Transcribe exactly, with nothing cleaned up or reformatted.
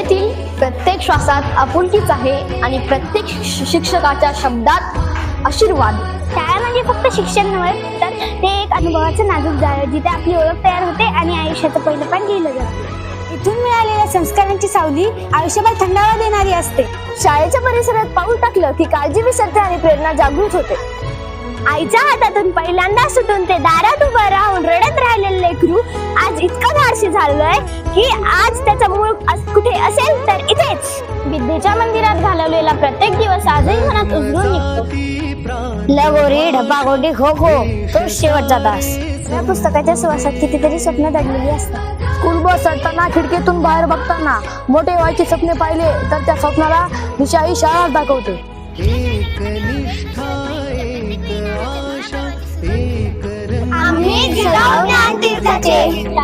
शाळेतील प्रत्येक श्वासात आपुलकीच आहे आणि प्रत्येक शिक्षकाच्या शब्दात आशीर्वाद. शाळा म्हणजे फक्त शिक्षण नव्हे तर ते एक अनुभवाचं नाजूक जाळ जिथे आपली ओळख तयार होते आणि आयुष्याचं पहिलं पान लिहिलं जातं. इथून मिळालेल्या संस्कारांची सावली आयुष्यभर थंडावा देणारी असते. शाळेच्या परिसरात पाऊल टाकलं की काळजी विसरते आणि प्रेरणा जागृत होते. आईच्या हातातून पहिल्यांदा सुटून ते दारात उभं राहून रडत राहिलेलं लेकरू आज इतकं धाडसी झालंय की आज त्याचा मूळ कुठे असेल तर इथेच. विद्येच्या मंदिरात घालवलेला प्रत्येक दिवस आजही मनात उजळून निघतो. लगोरी ढपागोटी खो खो तो शेवटचा तास. या पुस्तकाच्या सुवासात कितीतरी स्वप्न दडलेली असतात. स्कूल बस चढताना खिडकीतून बाहेर बघताना मोठे व्हायचे स्वप्ने पाहिले तर त्या स्वप्नाला दिशा ही शाळा दाखवते. आम्ही जिजाऊ ज्ञान तीर्थाचे